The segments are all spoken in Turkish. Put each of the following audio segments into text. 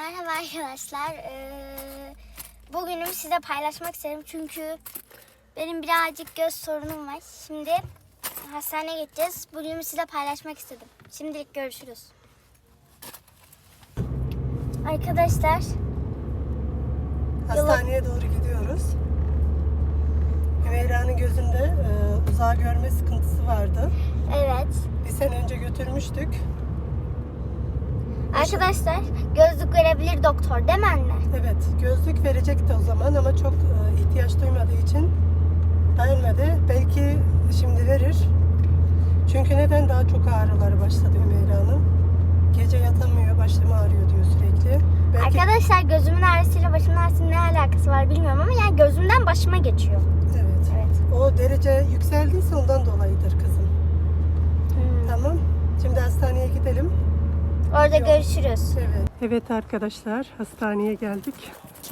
Merhaba arkadaşlar. Bugünümü size paylaşmak istedim çünkü benim birazcık göz sorunum var. Şimdi hastaneye gideceğiz. Bugünümü size paylaşmak istedim. Şimdilik görüşürüz. Arkadaşlar. Hastaneye doğru gidiyoruz. Hümeyra'nın gözünde uzağı görme sıkıntısı vardı. Evet. Bir sene önce götürmüştük. Arkadaşlar gözlük verebilir doktor değil mi anne? Evet, gözlük verecekti o zaman ama çok ihtiyaç duymadığı için vermedi. Belki şimdi verir. Çünkü neden daha çok ağrıları başladı Hümeyra'nın? Gece yatamıyor, başım ağrıyor diyor sürekli. Belki... Arkadaşlar gözümün ağrısıyla başımın ağrısının ne alakası var bilmiyorum ama yani gözümden başıma geçiyor. Evet. Evet. O derece yükseldiyse ondan dolayıdır kızım. Tamam. Şimdi hastaneye gidelim. Orada görüşürüz. Evet. Evet arkadaşlar, hastaneye geldik.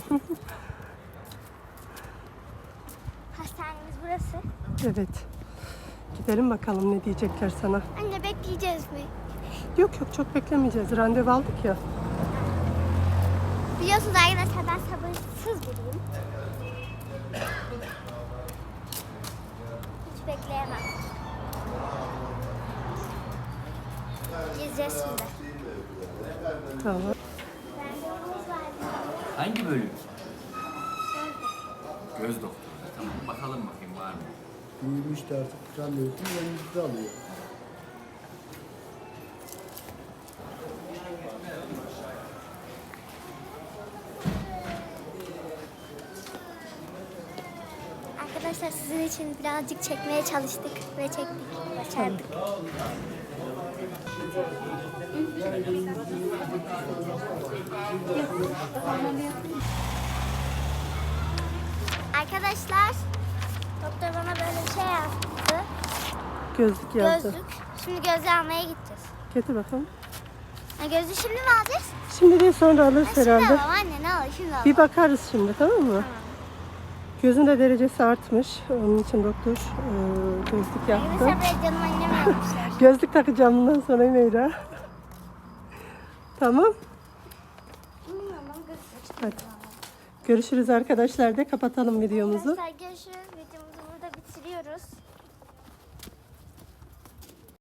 Hastanemiz burası. Evet. Gidelim bakalım ne diyecekler sana. Anne bekleyeceğiz mi? Yok çok beklemeyeceğiz. Randevu aldık ya. Biliyorsunuz arkadaşlar ben sabırsız biriyim. Hiç bekleyemem. Gezeceğiz şimdi. Tamam. Randevumuz var. Hangi bölüm? Göz doktoru. Tamam, bakalım bakayım var mı? Büyümüş de artık randevusunu önümüzde alıyor. Arkadaşlar sizin için birazcık çekmeye çalıştık ve çektik. Başardık. Arkadaşlar doktor bana böyle bir şey yaptı. Gözlük yazdı. Gözlük. Şimdi gözlüğü almaya gideceğiz. Getir bakalım. Gözlüğü şimdi mi alacağız? Şimdi değil sonra alırız Şimdi herhalde. alalım anne ne olur şimdi alalım. Bir bakarız şimdi, tamam mı? Gözünde derecesi artmış. Onun için doktor gözlük yaptı. Mesela canım annem yapmışlar. Gözlük takacağım bundan sonra Hümeyra. Tamam. Bilmiyorum ama gözlük. Hadi. Görüşürüz arkadaşlar de kapatalım videomuzu. Arkadaşlar görüşürüz.